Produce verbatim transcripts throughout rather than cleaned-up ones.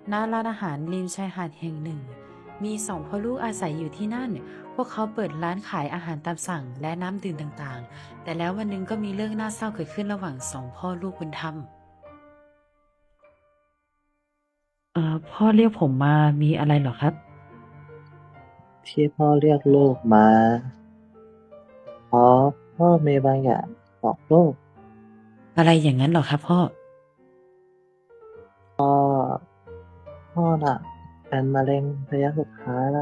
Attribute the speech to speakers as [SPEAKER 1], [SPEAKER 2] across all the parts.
[SPEAKER 1] ณร้านอาหารริมชายหาดแห่งหนึ่งมีสองพ่อลูกอาศัยอยู่ที่นั่นพวกเขาเปิดร้านขายอาหารตามสั่งและน้ำดื่มต่างๆแต่แล้ววันหนึ่งก็มีเรื่องน่าเศร้าเกิดขึ้นระหว่างสองพ่อลูกบุญธรรมเอ่อพ่อเรียกผมมามีอะไรเหรอครับ
[SPEAKER 2] ที่พ่อเรียกลูกมาเพราะพ่อมีบางอย่างบอกลูก
[SPEAKER 1] อะไรอย่างนั้นเหรอครับพ่อ
[SPEAKER 2] พ่อน่ะเป็นมะเร็งระยะสุดท้ายแล้ว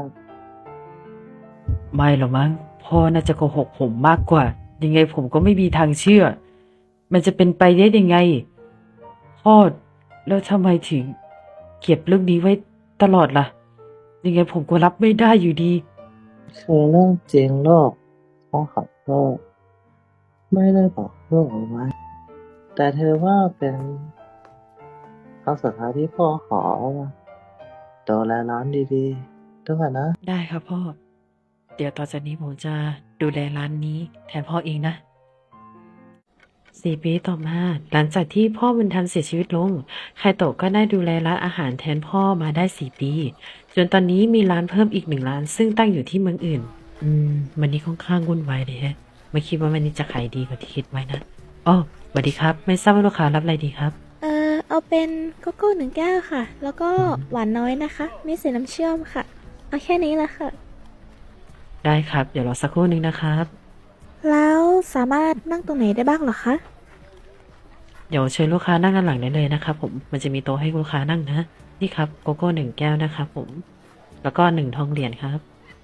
[SPEAKER 1] ไม่หรอกมั้งพ่อน่าจะโกหกผมมากกว่ายังไงผมก็ไม่มีทางเชื่อมันจะเป็นไปได้ยังไงพ่อแล้วทำไมถึงเก็บเรื่องนี้ไว้ตลอดล่ะยังไงผมก็รับไม่ได้อยู่ดี
[SPEAKER 2] คือเรื่องจริงลูกพ่อขอโทษไม่ได้บอกลูกเอาไว้แต่เธอว่าเป็นครั้งสุดท้ายที่พ่อขอว่าดูแลร้านดีๆด้วยนะ
[SPEAKER 1] ได้ครับพ่อเดี๋ยวต่อจากนี้ผมจะดูแลร้านนี้แทนพ่อเองนะสี่ปีต่อมาหลังจากที่พ่อบุญธรรมเสียชีวิตลงไคโตะก็ได้ดูแลร้านอาหารแทนพ่อมาได้สี่ปีจนตอนนี้มีร้านเพิ่มอีกหนึ่งร้านซึ่งตั้งอยู่ที่เมืองอื่นอืมวันนี้ค่อนข้างวุ่นวายเลยฮะไม่คิดว่าวันนี้จะขายดีกว่าที่คิดไว้นะอ๋อสวัสดีครับไม่ทราบว่าลูกค้ารับอะไรดีครับ
[SPEAKER 3] เอ่อเอาเป็นโกโก้หนึ่งแก้วค่ะ แล้วก็
[SPEAKER 1] อืม
[SPEAKER 3] หวานน้อยนะคะ ไม่ใส่น้ำเชื่อมค่ะ เอาแค่นี้แหละค่ะ
[SPEAKER 1] ได้ครับเดี๋ยวรอสักครู่หนึ่งนะครับ
[SPEAKER 3] แล้วสามารถนั่งตรงไหนได้บ้างเหรอคะ
[SPEAKER 1] เดี๋ยวเชิญลูกค้านั่งด้านหลังได้เลยนะครับผมมันจะมีโต๊ะให้ลูกค้านั่งนะนี่ครับโกโก้หนึ่งแก้วนะครับผมแล้วก็หนึ่งทองเหรียญครับ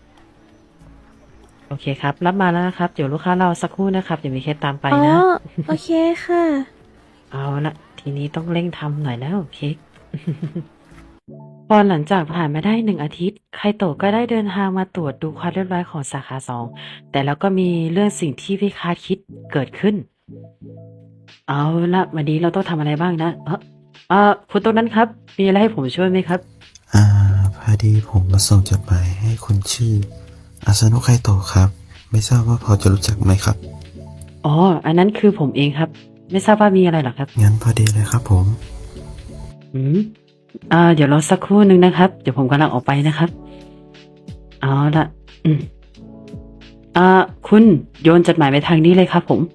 [SPEAKER 1] โอเคครับรับมาแล้วนะครับเดี๋ยวลูกค้ารอสักครู่นะครับเดี๋ยวมีเคสตามไป
[SPEAKER 3] อ๋อ
[SPEAKER 1] นะ
[SPEAKER 3] โอเคค่ะ
[SPEAKER 1] เอาละทีนี้ต้องเร่งทำหน่อยแล้วเค้ก พอหลังจากผ่านมาได้หนึ่งอาทิตย์ไคโตะก็ได้เดินทางมาตรวจดูความเรียบร้อยของสาขาสองแต่แล้วก็มีเรื่องสิ่งที่ไม่คาดคิดเกิดขึ้นเอาละวันนี้เราต้องทำอะไรบ้างนะเออเออคุณตรงนั้นครับมีอะไรให้ผมช่วยไหมครับ
[SPEAKER 4] อ่าพอดีผมมาส่งจดหมายให้คนชื่ออาซานุไคโตะครับไม่ทราบว่าพอจะรู้จักไหมครับ
[SPEAKER 1] อ๋ออันนั้นคือผมเองครับไม่ทราบว่ามีอะไรเหรอครับ
[SPEAKER 4] งั้นพอดีเลยครับผม
[SPEAKER 1] อืมอ่าเดี๋ยวรอสักครู่หนึ่งนะครับเดี๋ยวผมกำลังออกไปนะครับเอาละอืมอ่าคุณโยนจดหมายไปทางนี้เลยครับผม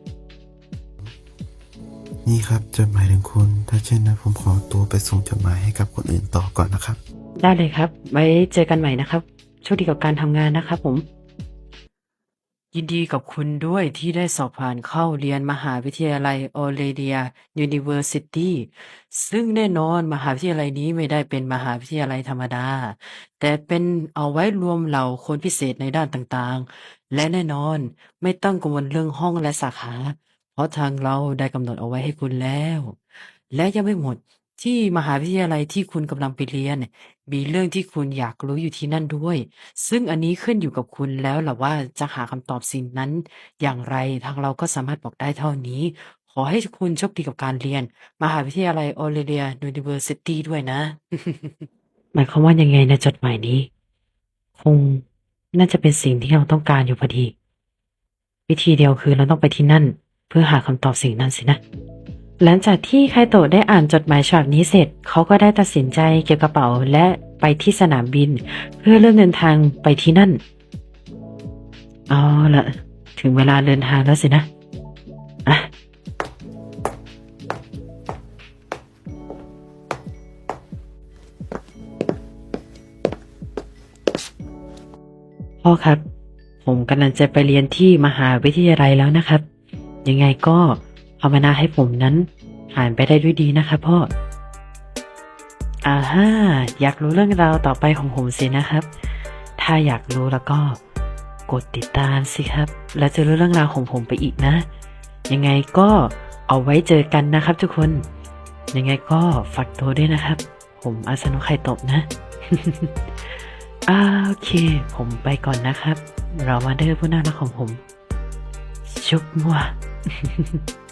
[SPEAKER 4] นี่ครับจดหมายถึงคุณถ้าเช่นนั้นผมขอตัวไปส่งจดหมายให้กับคนอื่นต่อก่อนนะครับ
[SPEAKER 1] ได้เลยครับไว้เจอกันใหม่นะครับโชคดีกับการทำงานนะครับผมยินดีกับคุณด้วยที่ได้สอบผ่านเข้าเรียนมหาวิทยาลัยออเรเลียยูนิเวอร์ซิตี้ซึ่งแน่นอนมหาวิทยาลัยนี้ไม่ได้เป็นมหาวิทยาลัยธรรมดาแต่เป็นเอาไว้รวมเหล่าคนพิเศษในด้านต่างๆและแน่นอนไม่ต้องกังวลเรื่องห้องและสาขาเพราะทางเราได้กำหนดเอาไว้ให้คุณแล้วและยังไม่หมดที่มหาวิทยาลัยที่คุณกำลังไปเรียน มีเรื่องที่คุณอยากรู้อยู่ที่นั่นด้วย ซึ่งอันนี้ขึ้นอยู่กับคุณแล้วล่ะว่าจะหาคำตอบสิ่งนั้นอย่างไรทางเราก็สามารถบอกได้เท่านี้ ขอให้คุณโชคดีกับการเรียนมหาวิทยาลัยออเรเลียยูนิเวอร์ซิตี้ด้วยนะ หมายความว่ายังไงนะจดหมายนี้ คงน่าจะเป็นสิ่งที่เราต้องการอยู่พอดี วิธีเดียวคือเราต้องไปที่นั่นเพื่อหาคำตอบสิ่งนั้นสินะ หลังจากที่ไคโตะได้อ่านจดหมายฉบับนี้เสร็จ เขาก็ได้ตัดสินใจเก็บกระเป๋าและไปที่สนามบิน เพื่อเริ่มเดินทางไปที่นั่น เอาละถึงเวลาเดินทางแล้วสินะอ่ะพ่อครับ ผมกำลังจะไปเรียนที่มหาวิทยาลัยแล้วนะครับ ยังไงก็ภาวนาให้ผมนั้นผ่านไปได้ด้วยดีนะครับพ่ออ่าฮ่าอยากรู้เรื่องราวต่อไปของผมสินะครับ ถ้าอยากรู้แล้วก็กดติดตามสิครับ แล้วจะรู้เรื่องราวของผมไปอีกนะ ยังไงก็เอาไว้เจอกันนะครับทุกคน ยังไงก็ฝากตัวด้วยนะครับ ผมอาสนุไข่ตบนะ อ่าโอเค ผมไปก่อนนะครับ เรามาเดอร์ผู้น่ารักของผม ชุบมัว